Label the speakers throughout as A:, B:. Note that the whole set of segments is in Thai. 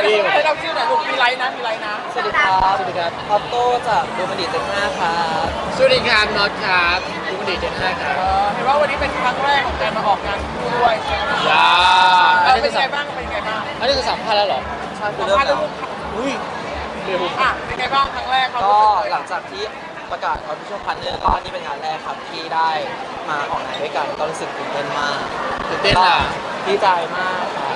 A: พี่
B: ให้เราชื่อหน่อยลูกมีไลน์นะมีไลน์นะ
C: สวัสดีครับสวัสดีครับออโต้จากดูมันดีเต็ม5ครับ
A: สวัสดีครับน็อตครับดูมันดีเจนห้าครับ
B: เห็นว่าวันนี้เป็นครั้งแรกของการมาออกงานคู่ด้วยใช่ไหม
A: ยา
B: เป็นไงบ้างเป็นไงบ้าง
A: อันนี้คือสัมภาษณ์แล้วเหรอ
C: ใช่คื
B: สั
C: อ
B: ม
C: เริ่ม
B: ภาษณ์
C: แล้
B: เรื่
C: ว
B: อง
A: อุ้ยเร็ว
B: อ่ะเป็นไงบ้างครั้งแรกเขา
C: ก็หลังจากที่ประกาศ Official Partner ก็นี่เป็นงานแรกครับที่ได้มาออกงานด้วยกันก็รู้สึกตื่นเต้นมาก
A: ตื่นเต้นอ่ะ
C: ดีใจมากครับ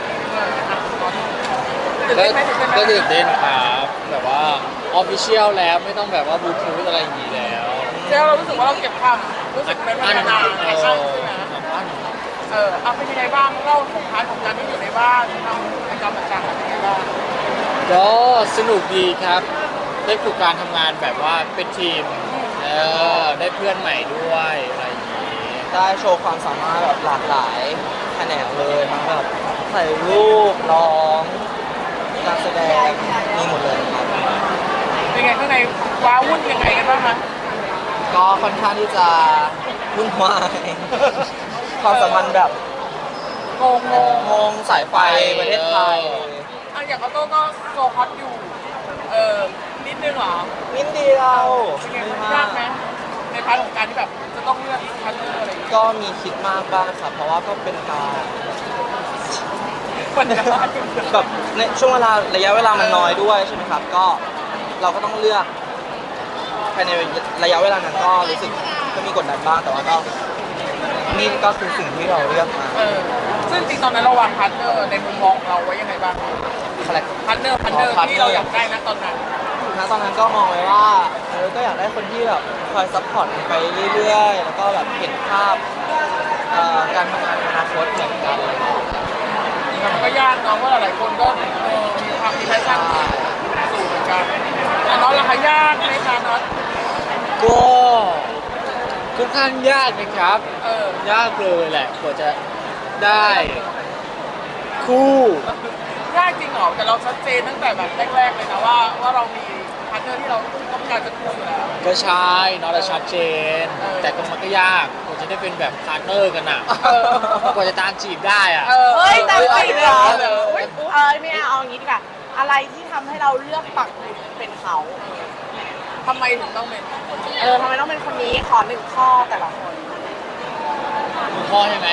B: ตื่นเต้นไหมตื่นเต้นไหม
A: ก็ตื่นเต้นครับแบบว่าออฟฟิเชียลแล้วไม่ต้องแบบว่าบลูทูธอะไรอย่างนี้แล้ว
B: เจ้าเรารู้สึกว่าเราเก็บความรู้สึกเป็นพัฒนาในช่างใช่ไหมเอาเป็นยังไงบ้างเล่าของพาร์ทของการที่อยู่ในบ้านทำกิจกรรมต่างๆเป็นยังไงบ้าง
A: ก็สนุกดีครับ ได้ฝึกการทำงานแบบว่าเป็นทีมได้เพื่อนใหม่ด้วยอะไรอย่างนี้
C: ได้โชว์ความสามารถแบบหลากหลายแขนงเลยทั้งแบบถ่ายรูปร้องการแสดงมีหมดเลยครับ
B: เป็นไงข้างในว้าวุ่นยังไงกันบ้างคะ
C: ก็ค่อนข้างที่จะวุ่นวาย ความสัมพันธ์แบบ
B: งงงง
C: งงสายไฟประเทศไทย
B: อย่างออโต้ก็โซฮอตอยู่นิดนึงเหรอ
C: นิดเดียว
B: เป็นไง
C: ไม่
B: มัน
C: มาย
B: าก กไหมในพาร์ทของการที่แบบจะต้องเลือกคัดเลือกอะไรอย่างเงี้ย
C: ก็มีคิดมากบ้างครับ เพราะว่าก็เป็นการ
B: มันจะ
C: แบบในช่วงเวลาระยะเวลามันน้อยด้วยใช่ไหมครับ ก็เราก็ต้องเลือกภายในระยะเวลานั้นก็รู้สึกก็มีกดดันบ้างแต่ว่าก็นี่ก็คือสิ่งที่เราเลือกมา
B: ซึ่งจริงตอนนั้นเราวางพาร์ทเนอร์ในมุมมองของเราไว้ยังไงบ้าง
C: คาแรค
B: พาร์ทเนอร์ที่เราอยากได้นะตอนนั้น
C: ตอนนั้นก็มองไว้ว่าก็อยากได้คนที่แบบคอยซัพพอร์ตไปเรื่อยๆ แล้วก็แบบเห็นภาพการทำงานในอนาคตเหมือนกันอะไรอย่างเงี้ย
B: มันก็ยากเนาะเพราะหลายๆคนก็มีความมีแพชชั่นสูงเหมือนกันน็อตราคายากไหมคะน็อต
A: ก็ค่อนข้างยากนะครับ ยากเลยแหละกว่าจะได้คู่
B: ยากจริงเหรอแต่เราชัดเจนตั้งแต่แบบแรกๆเลยนะว่าเรามีพาร์ทเนอร์ที่เราต้องการจะคู่อยู่แล้ว
A: ก็ใช่เนาะเราชัดเจน
B: เออ
A: แต่ก็มันก็ยากกว่าจะได้เป็นแบบพาร์ทเนอร์กันอ่ะกว่าจะตามจีบได้อ่ะ
D: เฮ้ยตามจีบเหรอ
B: เฮ้ย
D: ไม่เอาอย่างนี้ดีกว่าอะไรที่ทำให้เราเลือกปักหมุดเป็นเขา
B: ทำไมถึงต้องเป็นคนนี้
D: ทำไมต้องเป็นคนนี้ขอหนึ่งข้อแต่ละคน
A: คุณพ่อใช่ไหม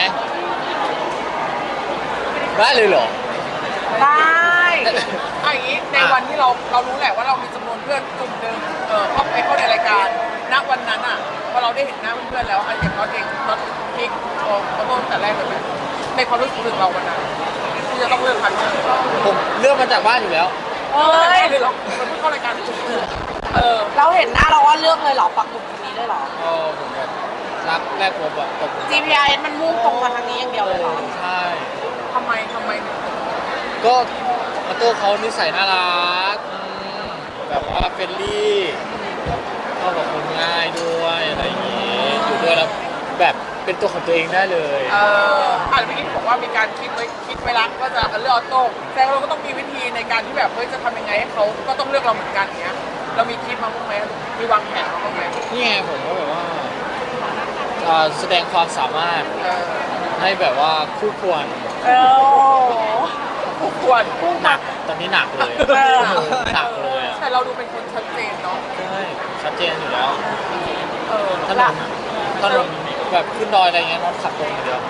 A: ได้เลยเหรอ
D: ได้
B: อย่างนี้ในวันที่เรารู้แหละว่าเรามีจำนวนเพื่อนกลุ่มหนึ่งเข้าในรายการณวันนั้นอ่ะพอเราได้เห็นหน้าเพื่อนๆแล้วอย่างน็อตเองน็อตพิกเขาต้นแต่แรกเลยไหมในความรู้สึกถึงเราวันนั้นที่จะต้องเลือกพันธุ์
A: ผมเลือกมาจากบ้านอยู่แล้ว
D: เฮ้ย
B: เลยเหรอมันเพิ่งเข้ารายการ
D: เราเห็นหน้าเราว่าเลือกเลยเหรอปักหมุดคนนี้เลยเหรอ
A: ผมแบบรักแรกผมแบบตกหลุม
D: GPS มันมุ่งตรงมาทางนี้อย่างเดียวเลยเหรอ
A: ใช่
B: ทำไมถึง
A: ก็มาโต้เขานิสัยน่ารักแบบว่าเฟรนลี่เข้ากับคนง่ายด้วยอะไรอย่างงี้อยู่ด้วยแล้วแบบเป็นตัวของตัวเองได้เลย
B: เมื่อกี้บอกว่ามีการคิดไว้รักว่าจะเลือกออโต้แต่เราก็ต้องมีวิธีในการที่แบบเฮ้ยจะทำยังไงให้เขาก็ต้องเลือกเราเหมือนกันเนี้ยเรามีคิดมาบ้างไหมมีวางแผนมาบ้างไหม
A: นี่ไงผมก็แบบว่าแสดงความสามารถให้แบบว่าคู่ควร
B: ควร
A: หนักตอนนี้หนักเลย
D: เออ
A: หนักเลยอะ
B: แต่เราดูเป็นคนชัดเจนเนาะ
A: ใช่ชัดเจนอยู่แล้ว ถน
B: ละ
A: นถนนแบบขึ้นดอยอะไรเงี้ยน้องขับตรงอย่างเดียว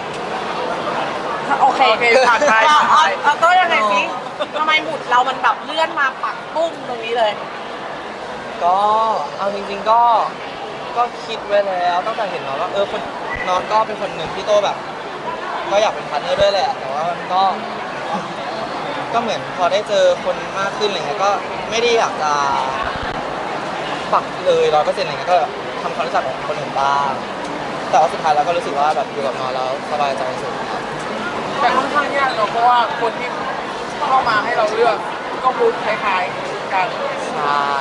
D: โอเค
B: ผ่านไป
D: เอาต้นยังไงสิทำไมหมุดเรามันแบบเลื่อนมาปักปุ้มตรงนี้เลย
C: ก็เอาจริงๆก็คิดไว้แล้วตั้งแต่เห็นน้องว่าคนน้องก็เป็นคนหนึ่งที่โตแบบ ก็อยากเป็นพาร์ทเนอร์ด้วยแหละ แต่ว่ามันก็เหมือนพอได้เจอคนมากขึ้นอะไรเงี้ยก็ไม่ได้อยากจะปักเลย100%อะไรเงี้ยก็ทำความรู้จักกับคนอื่นบ้างแต่ว่าสุดท้ายเราก็รู้สึกว่าแบบอยู่กับน้องแล้วสบายใจสุดครับ
B: แต่ค่อนข้างยากเนาะเพราะว่าคนที่เข้ามาให้เราเลือกก็มูดคล้ายๆกัน
C: ใช่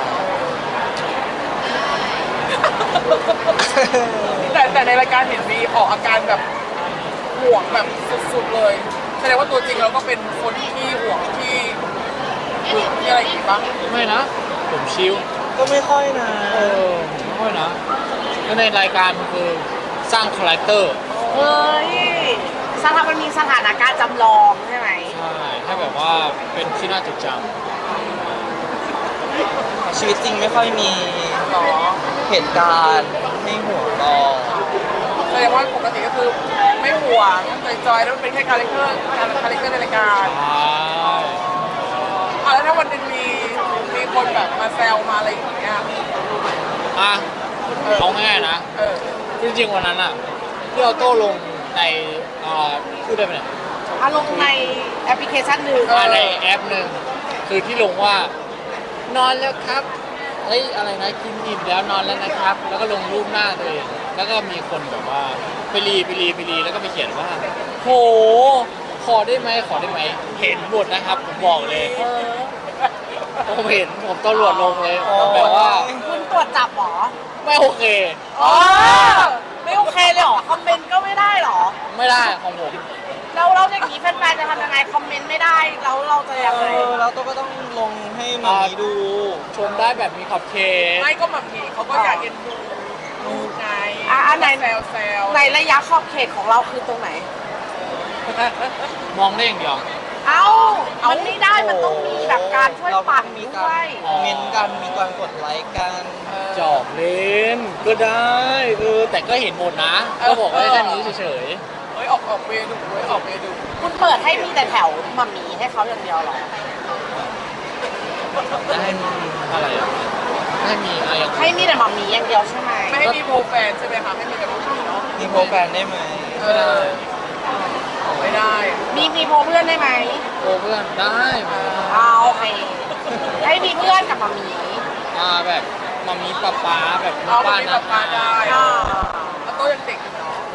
B: แต่ในรายการเห็นมีออกอาการแบบห่วงแบบสุดๆเลยแสดงว่าตัวจริงเราก็เป็นคนที่ห่วงที่หึงที่อะไรอย่างงี้บ้าง
A: ไม่นะ ผมชิล
C: ก็ไม่ค่อยนะ
A: ผมไม่ค่อยนะก็ในรายการมันคือสร้างคาแรคเตอร์
D: เฮ้ยมันมีสถานการณ์จำลองใช่ไหม
A: ใช่ให้ค่แบบว่าเป็นที่น่าจดจ
C: ชีวิตจริงไม่ค่อยมี
B: หรอ
C: เหตุการณ์ให้ห่วงรอ
B: แสดงว่าปกติก็คือไม่ห่วงจอยๆแล้วมันเป็นแค่คาแรคเตอร์ในรายการ
A: ำใช่
B: แล้วถ้าวันหนึงมีคนแบบมาแซวมาอะไรอย่างเงี้ย
A: อ่ะเอาง่ายๆนะ
B: เออ
A: จริงๆวันนั้นอ่ะที่เอาโต้ลงในพูดได้ไหมเนี่ย
D: อารมณ์ในแอปพลิเคชันหนึ่ง
A: ในแอปหนึ่งคือที่ลงว่านอนแล้วครับเฮ้ยอะไรนะกินอิ่มแล้วนอนแล้วนะครับ แล้วก็ลงรูปหน้าตัวเองแล้วก็มีคนแบบว่าไปรีแล้วก็ไปเขียนว่าโหขอได้ไหมเห็นหมดนะครับผมบอกเลย ผมเห็นผมตำรวจลงเลย
C: อ๋อ
A: แบบว่า
D: คุณตรวจจับเหรอ
A: ไม่โอเค
D: อ๋อไม่โอเคเลยเหรอ คอมเมนต์ก็ไม่ได้เหรอ
A: ไม่ได้ของผม
D: แล้วเราอย่างนี้แฟนๆจะทำยังไง คอมเมนต์ไม่ได้ แล้วเราจะยังไง
C: แล้วตัวก็ต้องลงให้หมามีดู
A: ชมได้แบบมีขอบเขต
B: ไม่ก็แบบนี้เขาก็อยากเอ็นดูลูกไง
D: อันไหน
B: แซว
D: ในระยะขอบเขตของเราคือตรงไหน
A: มองได้อย่างเดียว
D: เอ้า มันไม่ได้ มันต้องมีแบบการช่วย
C: เราก็
D: ปั่น
C: ต้องมี
D: ด้
C: กาว ร
D: ย
C: เม้นกันมีการกดไลค์กัน
A: จอบเล่นก็ได้แต่ก็เห็นหมดนะ ก็บอกไว้แค่นี้เฉย
B: เฮ้ยออกเวดูเว้ยออกเวดู
D: คุณเปิดให้มีแต่แถวมัมมี่ให้เขาอย่างเดียวเหรอ
A: ๆได้อะไรอ่ะให้มีอะไรอย่าง
D: ให้มีแต่มัมมี่อย่างเดียวใช่ไหม
B: ไม่ให้มีโปรแฟนใช่ไหมคะไม่มีแต่ผู้หญิงเนาะ
C: มีโปรแฟนได้ไหม
B: ไม่ได้ไม่ได้
D: มีโพเพื่อนได้ไหม
A: โอ้เพื่อนได้ไหม
D: เอาโอเคให้มีเพื่อนกับมัมมี่
A: แบบมามีป๊าแบบ
B: เอาไป
A: บ้าน
B: มี
A: นะ
B: ปาได้
D: อ่า
B: แล้วโต้ยังเด็กอยู่เนาะ
A: ใช่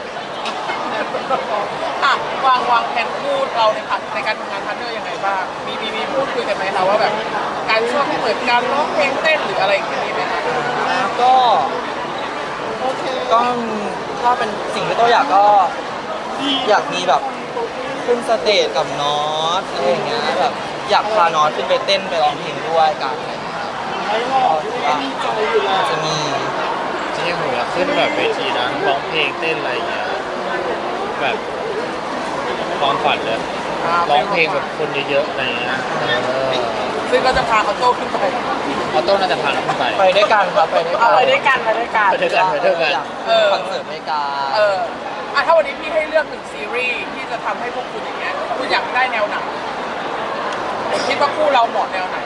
B: อ่ะวางแผนพูดเราในการทำงานพาร์ทเนอร์ยังไงบ้างมีพูดคุยกันไหมคะว่าแบบการช่วยเหมือนการร้องเพลงเต้นหรืออะไรอย่างนี้ไหมคะ
C: ก็ก็ถ้าเป็นสิ่งที่ตัวอยากก็อยากมีแบบขึ้นสเตจกับน็อตอะไรอย่างเงี้ยแบบอยากพาน็อตขึ้นไปเต้นไปร้องเพลงด้วยกันอะไรอย่างเงี้ยครับก็ถือว่าจะมี
A: จริงๆผมอยากขึ้นแบบเวทีนะร้องเพลงเต้นอะไรอย่างเงี้ยแบบความฝันเลยร้องเพลงแบบคนเยอะๆอะไรอย่างเงี้ย
B: ซึ่งก็จะพาเขาโต้ขึ้นไป
A: ออโต้น่าจะพาเราขึ้นไป
C: ไปด้วยกันครับไปด้วยกั
D: เอา
C: น
D: ไปด้วยกันไปด้วยกัน
A: ไปด้วยกันไปด้วยกัน
C: อยากคอนเสิร์ตด้วยกัน
B: ถ้าวันนี้พี่ให้เลือกหนึ่งซีรีส์ที่จะทำให้พวกคุณอย่างเงี้ยคุณอยากได้แนวไหนคิดว่าคู่เราเหมาะแนวไหน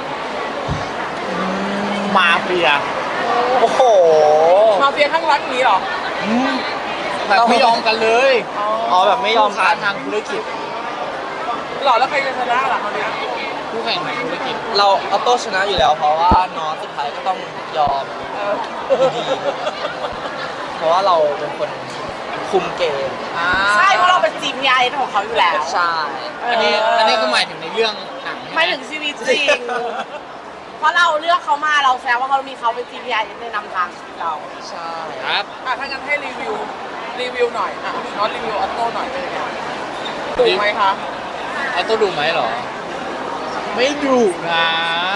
A: มาเฟีย
C: โอ้โห
B: มาเฟียข้างรักนี้เหรอ
A: แบบไม่ยอมกันเลย
C: อ๋อแบบไม่ยอม
A: ค้า
C: กัน
A: ทางธุรกิจ
B: หล่อแล้วใครจะชนะล่ะเขาวเนี้ย
A: คู่แข่งทางธุรกิจ
C: เราเอาโต้ชนะอยู่แล้วเพราะว่าน็อตสุดท้ายก็ต้องยอม
B: เออ
C: ดีเพราะว่าเราเป็นคนคุมเกม
D: ใช่ เพราะเราเป็น GPI ของเขาอยู่แล้ว
C: ใช่
A: อันนี้ก็หมายถึงในเรื่องหนัง
D: ไม่ถึงชีวิตจริง เพราะเราเลือกเขามาเราแซวว่าเขามีเขาเป็น GPI ในนำทางชีวิตเรา
C: ใช่
A: ครับ
B: ถ้างั้นให้รีวิวหน่อยน็อตรีวิวออโต้หน่อยเป็นยังไงถูกไหมคะ
A: เอาตัวดูไหมเหรอ ไม่ดูนะ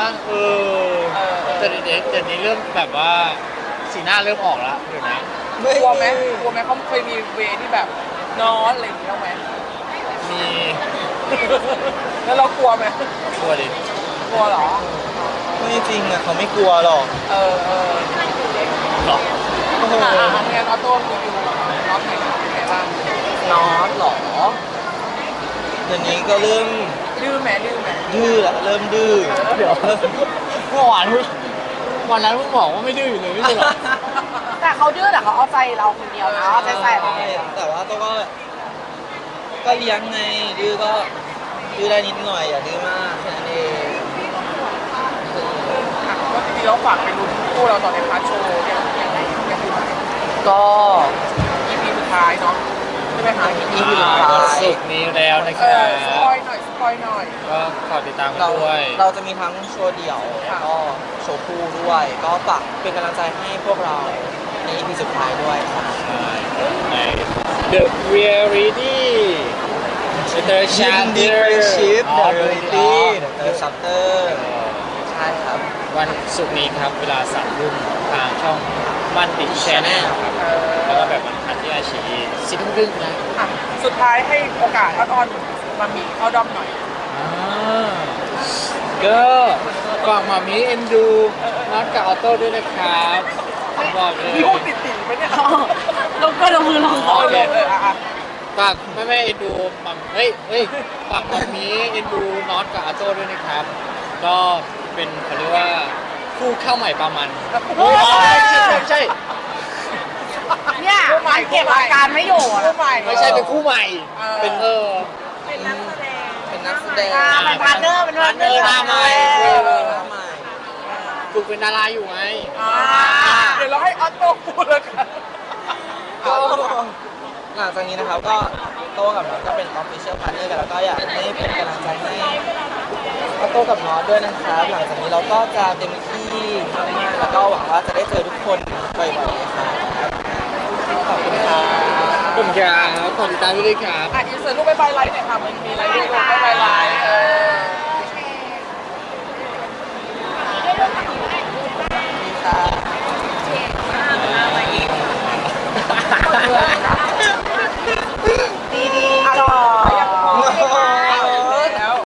A: แต่เดี๋ยวนี้เริ่มแบบว่าสีหน้าเริ่มออกแล้วเดี๋ยวนะ
B: กลัวไหมเขาเคยมีเวที่แบบน็อตอะไรอย่างเงี้ยไหม
A: มี
B: แล้วเรากลัวไหม
A: ตัวดิ
B: กลัวเหรอ
C: ไม่จริงอ่ะเขาไม่กลัวหรอก
B: เออ
A: หรอ
B: งั้นออโต้รีวิวน็อตหน่อยนะเป็นไงบ้าง
C: น็อตหรอเดี๋ยวนี้ก็เริ่ม
B: ดื้อแหม
C: ดื้อละเริ่มดื้อ
A: เดี๋ยวเมื่อวานวันนั้นเพิ่งบอกว่าไม่ดื้ออยู่เลยไม่ใช่เหรอ
D: แต่เขาดื้อแต่เขาเอาใจเราคนเดียวนะเอาใจใส่เรา
C: ใช่แต่ว่าตัวก็เลี้ยงไงดื้อก็ดื้อได้นิดหน่อยอย่าดื้อมากแค่นั้นเอง
B: ก็จริงๆเราฝากไปดูคู่เราตอนในพาร์ทโชว์เนี่ยยังดูไหม
C: ก็
B: EP สุดท้ายเนาะใช่ไหมคะ
C: EP สุดท้าย
A: วันศุกร์นี้แล้วนะค
B: เอ
A: รั
B: อบ สปอยหน่อย
A: ก็ฝากติดตามกัน
C: เรา
A: ด้วย
C: เราจะมีทั้งโชว์เดี่ยวแล้วก็โชว์คู่ด้วย ก็ฝากเป็นกำลังใจให้พวกเราใน EP สุดท้ายด้วยค่ะ
A: ใช่ใน The Reality The Chapter
C: Ship
A: อ๋อ
C: The Reality The Chapter ใช่ครับ
A: วันศุกร์นี้ครับเวลา3 ทุ่มทางช่องมันติแชนแนลครับ
B: เออ
A: แล้วก็แบบวันพันที่อาชี10 ทุ่มครึ่งนะ
B: สุดท้ายให้โอกาสอ้อนๆมามีเข้าด้อมหน่อย
A: อ่าก็ฝากมามีเอ็นดูนัดกับออโต้ด้วยนะครับผมบอกเลย
B: มีพวกติดๆไหมเนี่ย
D: ลงก็ลงมือลง
A: โอเค
B: อ่ะ
A: ฝากแม่เอ็นดูมัมเฮ้ยฝากมามีเอ็นดูน็อตกับออโต้ด้วยนะครับ ก็เป็นเขาเรียกว่าคู่เข้าใหม่ปลามัน
B: โอ้ย
A: ไม่ใช่
D: เนี่ยมันเก็บอาการไม่อยู่อะ
B: คู่ใหม่
A: ไม่ใช่เป็นคู่ใหม่ เป็น
C: เป็นนักแสดงเป็น
D: เป็นพาร์ทเนอร์เป็นพาร์ทเนอร์
A: หน้าใหม่
C: หน้าใหม่
A: ฝึกเป็นดาราอยู่ไง
B: เดี๋ยวเราให้ออโต้พูดแล้วกัน
C: ก็หลังจากนี้นะครับก็โต้กับน็อตก็เป็น official partner กันแล้วก็อยากให้เป็นกำลังใจให้โต้กับน็อตด้วยนะครับหลังจากนี้เราก็จะเต็มที่มากๆแล้วก็หวังว่าจะได้เจอทุกคนบ่อยๆครับขอบคุณครับ
A: ผมครับขอติดตามด้วยครับ
B: อ่ะอินเสิร์ตรูปบายไลท์หน่อยค่ะมันมีอะไรด้วยรูปบายไลท์
C: ครับ